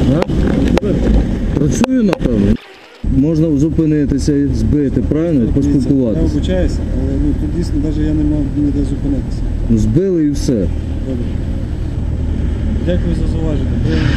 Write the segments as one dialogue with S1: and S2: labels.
S1: Працюю, напевно. Можна зупинитися, збити, правильно? Поспілкуватися.
S2: Я вибачаюся, але тут дійсно навіть я не мав ніде зупинитися.
S1: Ну збили і все.
S2: Добре. Дякую за зауваження.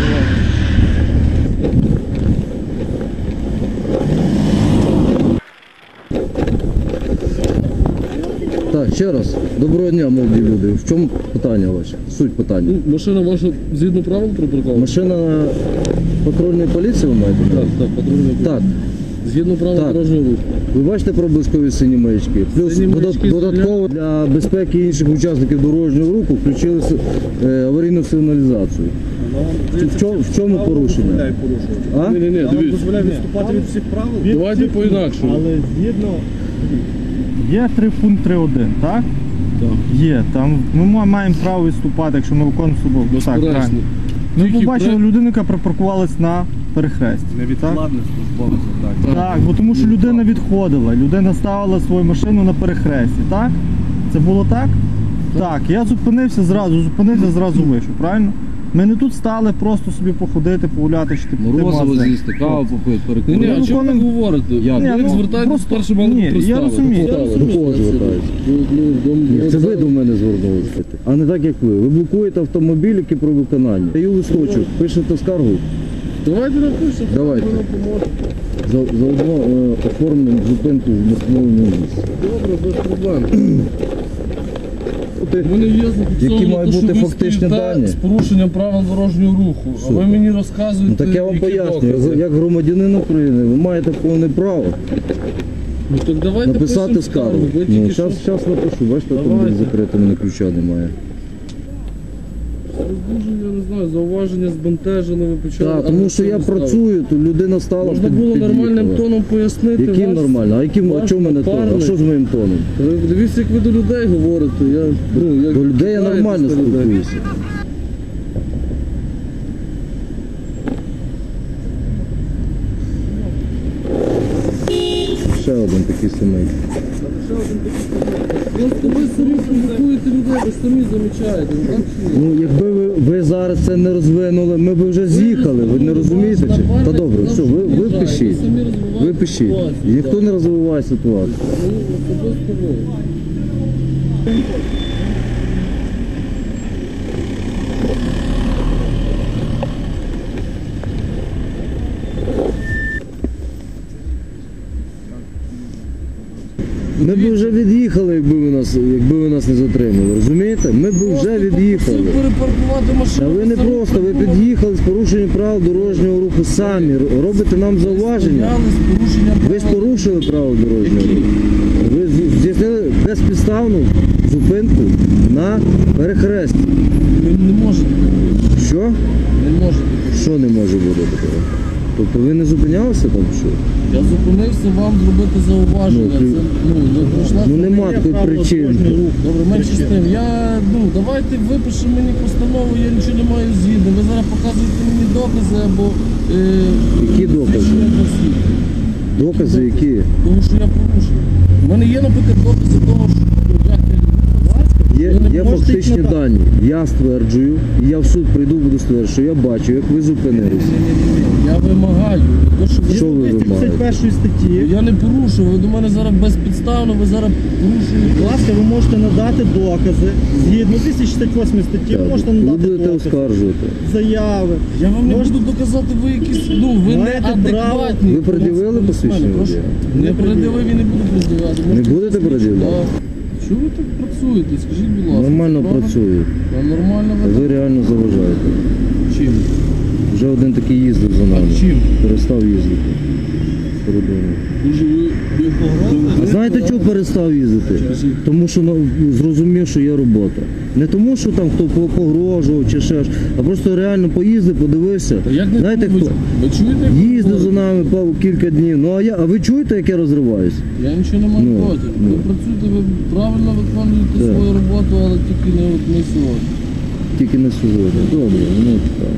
S1: Так, ще раз. Доброго дня, молоді люди. В чому питання ваше? Суть питання.
S3: Машина ваша згідно правил припаркована?
S1: Машина патрульної поліції ви маєте?
S3: Так, патрульна поліція.
S1: Так.
S3: Згідно правил
S1: Так.
S3: дорожнього руху.
S1: Ви бачите проблискові сині маячки? Плюс
S3: Сині маячки
S1: додатково для безпеки інших учасників дорожнього руху включили аварійну сигналізацію. В чому порушення? А?
S3: Ні,
S2: Я вам
S3: дивіться.
S2: дозволяю відступати від всіх правил.
S3: Давайте по-інакшому.
S2: Але згідно... Є 3 пункт 3.1, так?
S3: Так.
S2: Є. Там ми маємо право відступати, якщо ми виконуємо собою. Так,
S3: Безперечно.
S2: правильно. Ми
S3: Тільки
S2: побачили людину, яка припаркувалась на перехресті.
S4: Невідкладне службове завдання.
S2: Так, бо тому що людина відходила, людина ставила свою машину на перехресті, так? Це було так? Так, я зупинився, зразу вийшов, правильно? Ми не тут стали просто собі походити, погуляти, чи піти в
S1: Морозиво
S2: магазин.
S1: з'їсти, каву попити,
S3: Ні,
S1: перекурити.
S3: а чому ви говорите?
S1: Як?
S3: Ви
S2: ну,
S3: звертаєтесь
S2: просто-
S3: перше мали
S2: ні, я
S3: представити.
S2: розумію.
S1: До кого звертаюся? Це ви до мене звернулися, а не так, як ви. Ви блокуєте автомобіль, який про виконання. Даю листочок, пишете скаргу.
S3: Давайте напишемо.
S1: Давайте.
S3: Вона поможе.
S1: Заодно оформлюємо зупинку в нестановленому місці.
S3: Добре, без проблем. У мене є
S1: Які
S3: зафіксовано,
S1: мають
S3: що
S1: бути
S3: ви
S1: фактичні
S3: стоїте
S1: дані?
S3: з порушенням правил дорожнього руху. А ви мені розказуєте,
S1: Ну так я вам
S3: які
S1: пояснюю,
S3: докази.
S1: як громадянин України, ви маєте повне право
S3: Ну так давайте
S1: написати
S3: пишемо
S1: скаргу.
S3: Ви
S1: Ну,
S3: тільки що...
S1: зараз напишу, бачите, автомобіль закритий, мене ключа немає.
S3: Дуже, я не знаю, зауваження збентежено, ви почали...
S1: Так, тому що я
S3: агресивно
S1: працюю, то людина стала
S3: Можна було нормальним
S1: під'їхала.
S3: тоном пояснити.
S1: Яким
S3: вас,
S1: нормально? А чому мене тон? А
S3: напарник.
S1: що з моїм тоном?
S3: Ви дивіться, як ви до людей говорите. Як
S1: До людей я
S3: питаєтесь
S1: нормально
S3: до людей.
S1: спілкуюся. Ще один такий самий.
S3: Просто ви самі провокуєте людей, ви самі замічаєте. Ну, так чи ні?
S1: Ну, якби ви зараз це не розвинули, ми б вже з'їхали, ви не розумієте? Чи? Та добре, все, ви пишіть. Ви пишіть. Ніхто не розвиває ситуацію.
S3: Ну, особисто ви.
S1: Ми б вже від'їхали, якби ви нас не затримали, розумієте? Ми б вже від'їхали.
S3: Просто перепаркувати машину.
S1: А ви не
S3: самі
S1: просто, ви
S3: придумали.
S1: під'їхали з порушенням правил дорожнього руху самі, робите нам зауваження.
S3: Стояли з порушенням
S1: Ви ж
S3: правил.
S1: порушили правила дорожнього руху. Ви здійснили безпідставну зупинку на перехресті.
S3: Ви не можете.
S1: Що?
S3: Не можете.
S1: Що не може бути такого? Тобто ви не зупинялися там що?
S3: Я зупинився вам зробити зауваження.
S1: Ну,
S3: Це, не пройшла.
S1: Ну нема такої причини.
S3: Добре, менше з тим. Давайте випишемо мені постанову, я нічого не маю згідно. Ви зараз показуєте мені докази або...
S1: Які докази?
S3: свідчення для свідків.
S1: Докази які?
S3: Тому що я порушив. У мене є, наприклад, докази того, що
S1: Є фактичні дані. Я стверджую, і я в суд прийду, буду стверджувати, що я бачу, як ви зупинилися.
S3: я вимагаю.
S1: Що ви вимагаєте?
S2: 31 статті.
S3: Я не порушив, ви до мене зараз безпідставно, ви зараз порушуєте.
S2: Будь ласка, ви можете надати докази. Згідно 268 статті, ви можете
S1: Ви
S2: надати
S1: будете
S2: докази,
S1: оскаржувати.
S2: заяви.
S3: Я вам не
S2: Можете-
S3: буду доказати, ви якісь, ви
S2: Маєте
S3: неадекватні.
S1: Ви пред'явили посвідчення
S3: Прошу.
S1: водія?
S3: Не пред'явив і не буду пред'являти.
S1: Не будете пред'являти?
S3: Чого ви так працюєте? Скажіть, будь ласка.
S1: Нормально
S3: правда?
S1: працюю.
S3: А нормально
S1: Ви реально заважаєте.
S3: Чим?
S1: Вже один такий їздив за нами.
S3: А чим?
S1: Перестав їздити. Кордоном.
S3: Дуже ви
S1: А знаєте, чого перестав їздити? Тому що зрозумів, що є робота. Не тому, що там хто погрожував чи ще ж, а просто реально поїздив, подивився.
S3: Як не
S1: Знаєте
S3: ви,
S1: хто?
S3: ви чуєте? як ви
S1: Їздив за
S3: говорите?
S1: нами кілька днів. Ну а ви чуєте, як я розриваюсь?
S3: Я нічого не маю
S1: Ну,
S3: проти.
S1: ну.
S3: Ви працюєте, ви правильно виконуєте
S1: Так.
S3: свою роботу, але тільки не сьогодні.
S1: Тільки не сьогодні. Добре, ну так.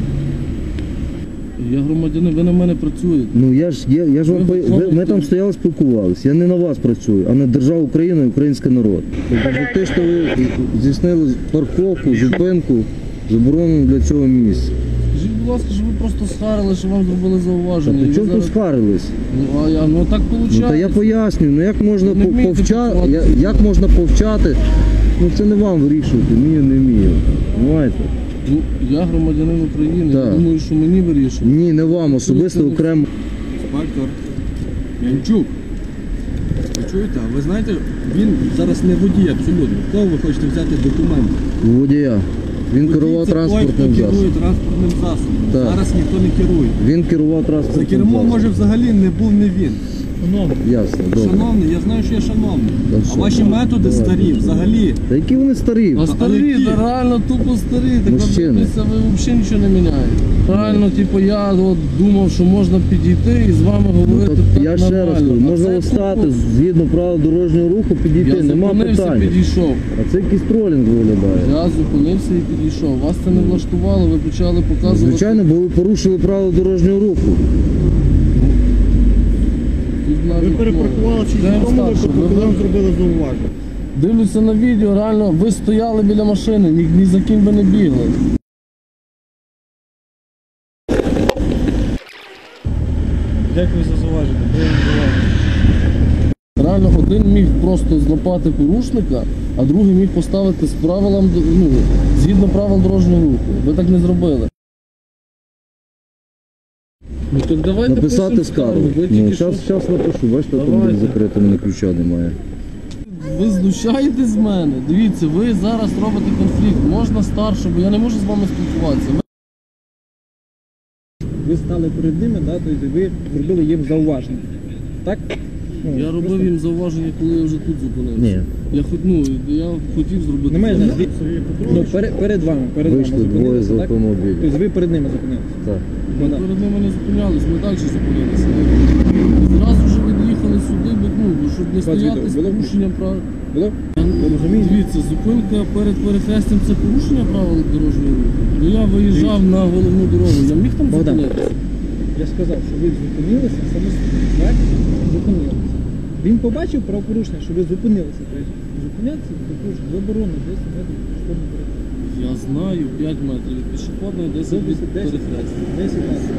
S3: Я громадянин, ви на мене працюєте.
S1: Ну я ж вам
S3: Ви
S1: ми там стояли, спілкувалися. Я не на вас працюю, а на державу України і український народ. Тобто за те, що ви здійснили парковку, зупинку, заборонену для цього місця.
S3: Скажіть, будь ласка, щоб ви просто схарили, що вам зробили
S1: Та
S3: зауваження.
S1: при
S3: І
S1: чому
S3: ви
S1: тут
S3: зараз-
S1: скарились?
S3: Ну так виходить.
S1: Ну та я пояснюю, ну як можна
S3: Не вмієте працювати.
S1: як можна повчати? Ну це не вам вирішувати, вмію, не вмію. Понимаєте?
S3: Ну, я громадянин України, я
S1: Так.
S3: думаю, що мені вирішує.
S1: Ні, не вам, особисто окремо.
S4: Інспектор Янчук. Ви чуєте? А ви знаєте, він зараз не водій абсолютно. Кого ви хочете взяти документ?
S1: У водія. Він керував
S4: Водій це той,
S1: транспортним
S4: хто керує
S1: засобом.
S4: транспортним засобом.
S1: Так.
S4: Зараз ніхто не керує.
S1: Він керував
S4: За
S1: транспортним
S4: кермом,
S1: засобом.
S4: може, взагалі не був не він.
S1: Ясно, добре.
S4: Шановний, я знаю, що я шановний.
S1: Та
S4: А
S1: що?
S4: ваші методи
S1: Давайте.
S4: старі взагалі.
S1: Та які вони старі?
S3: А старі,
S4: які?
S3: та реально тупо старі, так
S1: Мужчини.
S3: дивіться, ви взагалі нічого не міняєте. Реально, типу, я от думав, що можна підійти і з вами
S1: Ну,
S3: говорити
S1: так
S3: так
S1: я ще раз
S3: нормально.
S1: кажу,
S3: А
S1: можна
S3: це
S1: встати
S3: тупо.
S1: згідно правил дорожнього руху, підійти,
S3: Я
S1: нема
S3: зупинився,
S1: питань.
S3: підійшов.
S1: А це якийсь тролінг виглядає.
S3: Я зупинився і підійшов. Вас це не влаштувало, ви почали показувати.
S1: Звичайно, бо ви порушили правила дорожнього руху.
S3: Тут навіть,
S2: Ви перепаркували чи
S3: йдемо
S2: в тому
S3: старше,
S2: випадку, коли вам зробили зауваження.
S3: Дивлюся на відео, реально, ви стояли біля машини, ні за ким ви не бігли.
S2: Дякую за зауваження. Приємно зауваження.
S3: Реально, один міг просто злопати порушника, а другий міг поставити з правилам, ну, згідно правил дорожнього руху. Ви так не зробили. Ну так давайте
S1: Написати
S3: пишемо
S1: скаргу.
S3: Ви
S1: Ну,
S3: тільки що-
S1: зараз напишу, бачите, там
S3: Давайте.
S1: десь закрито, в мене ключа немає.
S3: Ви знущаєтесь з мене? Дивіться, ви зараз робите конфлікт. Можна старше, бо я не можу з вами спілкуватися.
S5: Ви стали перед ними, да, тобто ви зробили їм зауваження. Так? Ну,
S3: Я робив їм зауваження, коли я вже тут зупинився.
S1: Ні.
S3: Я хотів зробити.
S5: Немає
S3: зауваження.
S5: ну, перед вами
S1: Вийшли двоє
S5: зупинилися,
S1: з
S5: так?
S1: автомобіля.
S5: Тобто ви перед ними зупинилися.
S1: Так.
S3: Ми
S5: Ну,
S3: перед ними не зупинялись, ми далі зупинилися. Зразу вже від'їхали сюди, щоб не стояти з
S5: відео було?
S3: порушенням прав.
S5: Було? Ви розумієте?
S3: Дивіться, зупинка перед перехрестям це порушення правил дорожнього руху. Ну я виїжджав на головну дорогу, я міг там
S5: Богдан.
S3: зупинитися.
S5: Я сказав, що ви зупинилися самостійно. Так? Зупинилися. Він побачив правопорушення, що ви зупинилися. Тобто зупинятися заборонено 10 метрів пішохідного переходу.
S3: Я знаю 5 метрів від пішохідної, 10 від
S5: 10
S3: перехрестя.
S5: 10 метрів.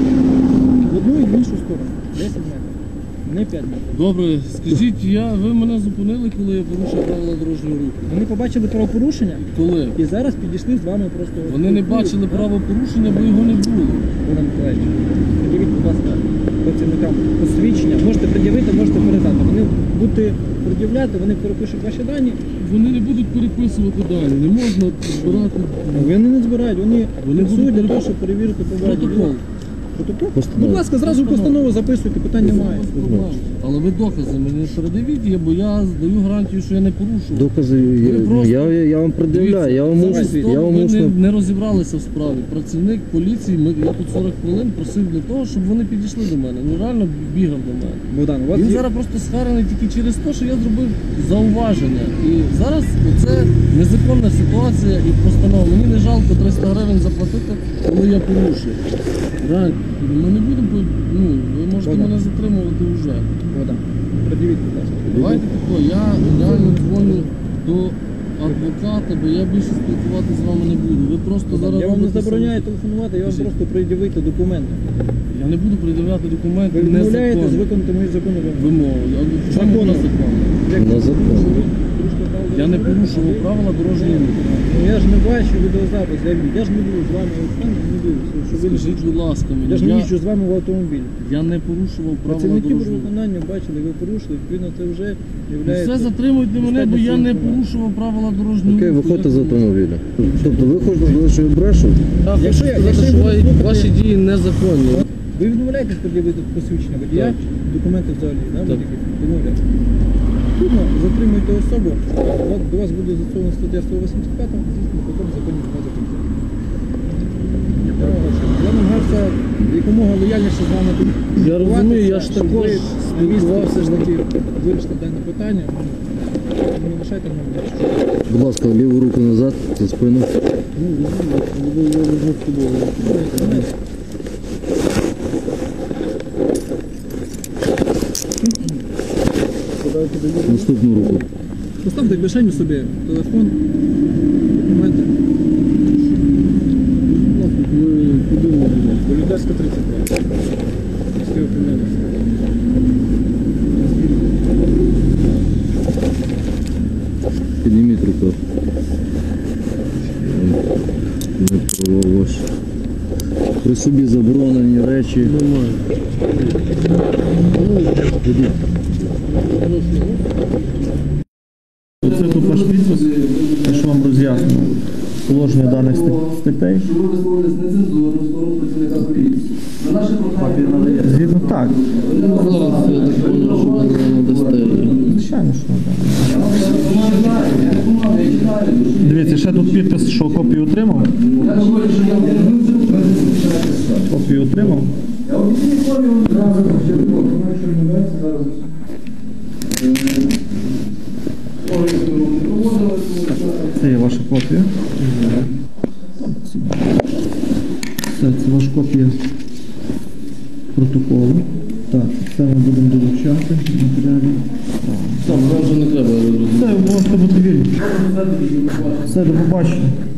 S5: В одну і в іншу сторону. 10 метрів. Не 5 метрів.
S3: Добре, скажіть, ви мене зупинили, коли я порушив правила дорожнього руху?
S5: Вони побачили правопорушення
S3: Коли?
S5: і зараз підійшли з вами просто.
S3: Вони не бачили правопорушення, бо його не було.
S5: Богдан Миколаївич, пред'явіть, будь ласка, працівникам посвідчення. Можете пред'явити, можете передати. Вони будете пред'являти, вони перепишуть ваші дані.
S3: Вони не будуть переписувати дані, не можна збирати
S5: Вони не збирають, вони
S3: Вони
S5: фіксують
S3: будуть
S5: для того, щоб перевірити побачити.
S3: протокол.
S5: Протокол?
S1: Постанову.
S5: Будь ласка, зразу постанову записуйте, питань немає.
S3: Без проблем. Але ви докази мені передавіть, бо я здаю гарантію, що я не порушував.
S1: Докази
S3: Ви просто-
S1: я вам пред'являю, я вам
S3: Зараз
S1: усно,
S3: того
S1: я вам
S3: ви
S1: усно.
S3: не розібралися в справі. Працівник поліції, я тут 40 хвилин просив для того, щоб вони підійшли до мене. Ну реально бігав до мене.
S5: Богдан, у вас
S3: Він
S5: є...
S3: зараз просто схарений тільки через те, що я зробив зауваження. І зараз це незаконна ситуація і постанова. Мені не жалко 300 гривень заплатити, коли я порушив. Реально, ми не будемо, ви можете
S5: Богдан.
S3: мене затримувати вже.
S5: Богдан, пред'явіть, будь ласка.
S3: Давайте тако, я реально дзвоню до адвоката, бо я більше спілкуватися з вами не буду. Ви просто зараз
S5: Я вам не
S3: робите
S5: забороняю
S3: самі-
S5: телефонувати, я вам
S3: Скажіть.
S5: просто пред'явити документи.
S3: Я не буду пред'являти документи
S5: Ви відмовляєтесь
S3: незаконні
S5: виконати мої закони вимоги.
S3: вимови. Я в чому
S5: Законно.
S3: незаконно?
S1: На закон.
S3: Я не порушував правила дорожнього руху.
S5: Ну я ж не бачу відеозапис, я ж не буду з вами не дивлюся, що ви
S3: Скажіть, будь ласка,
S5: я ж не
S3: мені,
S5: їжджу з вами в автомобілі.
S3: я не порушував правила
S5: Працівники
S3: дорожнього
S5: при
S3: руху.
S5: виконанні бачили, ви порушили, відповідно це вже
S3: Все
S5: є.
S3: затримуйте мене, бо я не порушував правила дорожнього
S1: Окей,
S3: руху.
S1: виходьте
S3: Я
S1: з
S3: порушив.
S1: автомобіля. Тобто ви хочете сказати, що я брешу?
S3: Я хочу
S5: Якщо я-
S3: сказати,
S5: якщо
S3: що
S5: я буду слухати-
S3: ваші дії незаконні.
S5: Ви відмовляєтесь пред'явити посвідчення водія,
S3: Так.
S5: документи взагалі, да,
S3: Так.
S5: будь-які? Відмовляєтесь. Відповідно, затримуєте особу, до вас буде застосована стаття 185, звісно, потім законні вимоги закону. Я намагався якомога лояльніше з вами
S3: Я розумію, я ж
S5: щоб
S3: також
S5: ви
S3: спілкувався
S5: все ж
S3: з
S5: таки вирішити дане питання. Не лишайте мене.
S1: Будь ласка, ліву руку назад, за спину. Наступну руку.
S5: Поставте в кишеню собі телефон, документи.
S3: Ви
S5: Любимо буде. Політецька 35. Міський опинилися.
S1: Підніміть руку. Не проволож. При собі заборонені речі.
S3: Немає.
S2: Оце тут ваш підпис, я ж вам роз'яснюю положення даних статей.
S3: Що ви висловились нецензурно в сторону працівника поліції. На наше прохання.
S2: Згідно так.
S3: Зараз я так понял, що ви не надасте її.
S2: Звичайно, що так. Дивіться, ще тут підпис, що копію отримав. Копію отримав. Це є ваша копія. Це ваша копія протоколу. Так, це ми будемо долучати матеріалі.
S3: Там, вам вже не треба, я розумію.
S2: Це можете бути вільні. Все, до побачення.